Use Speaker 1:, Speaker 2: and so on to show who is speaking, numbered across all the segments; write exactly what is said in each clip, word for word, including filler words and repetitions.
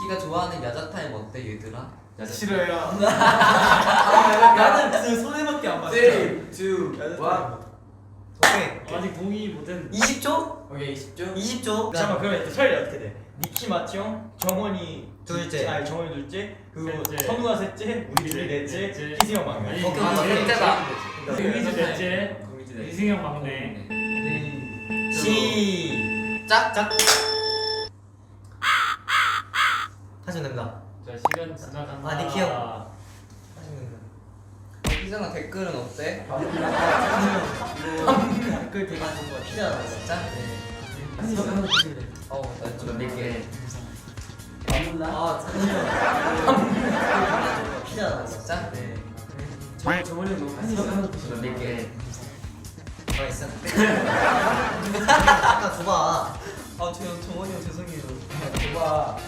Speaker 1: 니가 좋아하는 야자 타임 어때 얘들아?
Speaker 2: 야자 싫어요.
Speaker 3: 나는 그 손해밖에 안 봤어.
Speaker 1: 삼, 이, 일.
Speaker 3: 오케이.
Speaker 4: 아직 동의 못했는데.
Speaker 3: 이십 초?
Speaker 1: 오케이 이십 초.
Speaker 3: 이십 초.
Speaker 5: 잠깐만 그러면 또 차례 어떻게 돼? 니키 마티 형, 정원이
Speaker 3: 둘째.
Speaker 5: 아니 정원이 둘째, 그리고
Speaker 4: 셋째.
Speaker 5: 선우가 셋째, 우리 둘이 넷째,
Speaker 4: 넷째.
Speaker 5: 희승이 형 막내.
Speaker 4: 아니,
Speaker 1: 오케이,
Speaker 4: 아,
Speaker 1: 오케이,
Speaker 4: 넷째다.
Speaker 1: 넷째다.
Speaker 4: 동희지 넷째,
Speaker 1: 공이지 넷째.
Speaker 4: 이승형 막내.
Speaker 3: 시작. 짝. 하시면 됩니다.
Speaker 4: 자 시간 지나간다.
Speaker 3: 아, 니키 형. 하시면 됩니다.
Speaker 1: 희정아 댓글은 어때?
Speaker 3: 댓글 되게 안 좋은 거 피자
Speaker 1: 진짜? 네.
Speaker 3: 한번 드시면 돼요.
Speaker 1: 어, 나좀 몇 개.
Speaker 3: 아, 피자
Speaker 1: 진짜? 네.
Speaker 3: 저번에 너무 한번 드시면
Speaker 1: 몇 개.
Speaker 3: 맛있어. 아까 줘봐.
Speaker 1: 아, 저 정원이 형 죄송해요.
Speaker 3: 줘봐.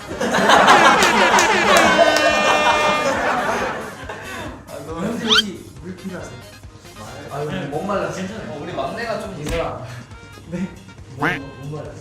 Speaker 1: 아, 너무
Speaker 3: 형수 혹시 물 필요하세요?
Speaker 1: 아유, 목 말랐어. 괜찮아. 어, 우리 막내가 좀 이거라.
Speaker 3: 못 말랐어.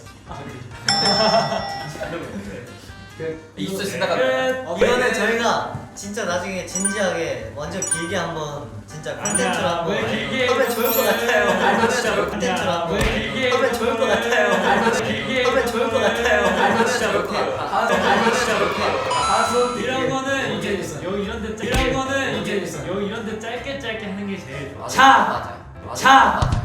Speaker 1: 이십 초 지나갔다.
Speaker 4: 끝.
Speaker 3: 이거는 저희가 진짜 나중에 진지하게 완전 길게 한번 진짜 콘텐츠로
Speaker 4: 아니야,
Speaker 3: 한번
Speaker 4: 왜 길게
Speaker 3: 하면 좋을 것 같아요.
Speaker 1: 아니야, 진짜
Speaker 3: 콘텐츠로
Speaker 4: 아니야,
Speaker 3: 한번
Speaker 4: 왜 길게
Speaker 3: 하면 좋을 것 같아요.
Speaker 4: 길게
Speaker 3: 하면 좋을 것 같아요.
Speaker 1: 진짜 몇 개. 아, 진짜 몇 개.
Speaker 4: 이런 거는 이제
Speaker 1: 있어.
Speaker 4: 여기 이런 데 짧- 이런 거는
Speaker 1: 이게
Speaker 4: 이제
Speaker 1: 있어.
Speaker 4: 여기 이런 데 짧게 짧게 하는 게 제일 좋아.
Speaker 1: 맞아,
Speaker 4: 자,
Speaker 1: 맞아. 맞아,
Speaker 4: 자.
Speaker 1: 맞아.